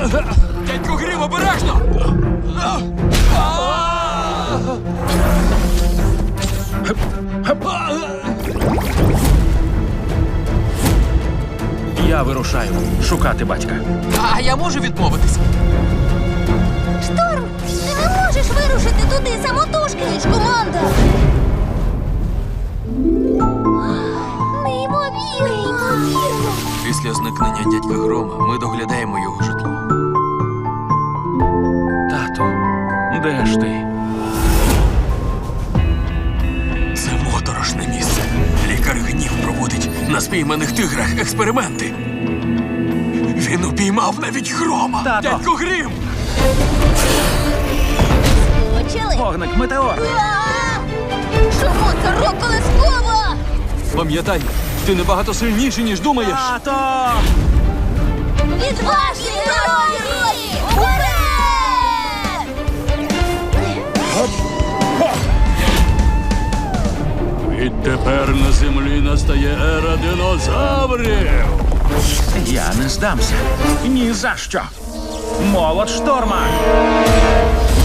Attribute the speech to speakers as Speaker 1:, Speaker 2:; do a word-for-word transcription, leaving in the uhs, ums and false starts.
Speaker 1: Дядько Грім, обережно!
Speaker 2: Я вирушаю шукати батька.
Speaker 1: А я можу відмовитись?
Speaker 3: Шторм, ти не можеш вирушити туди самотужки, ніж команда. Неймовірно. Неймовірно.
Speaker 1: Після зникнення дядька Грома ми доглядаємо його житло.
Speaker 2: Тату, де ж ти?
Speaker 1: Це моторошне місце. Лікар Гнів проводить на спійманих тиграх експерименти. Він упіймав навіть Грома.
Speaker 2: Тато!
Speaker 1: Дядько Грім!
Speaker 3: Почали.
Speaker 2: Вогник метеор!
Speaker 3: А! Чому це рок-колескова?
Speaker 1: Пам'ятай, ти набагато сильніший, ніж думаєш.
Speaker 2: Тато!
Speaker 3: Відважні герої! Уперед!
Speaker 4: Відтепер на землі настає ера динозаврів.
Speaker 2: Я не здамся. Ні за що. Молот шторма!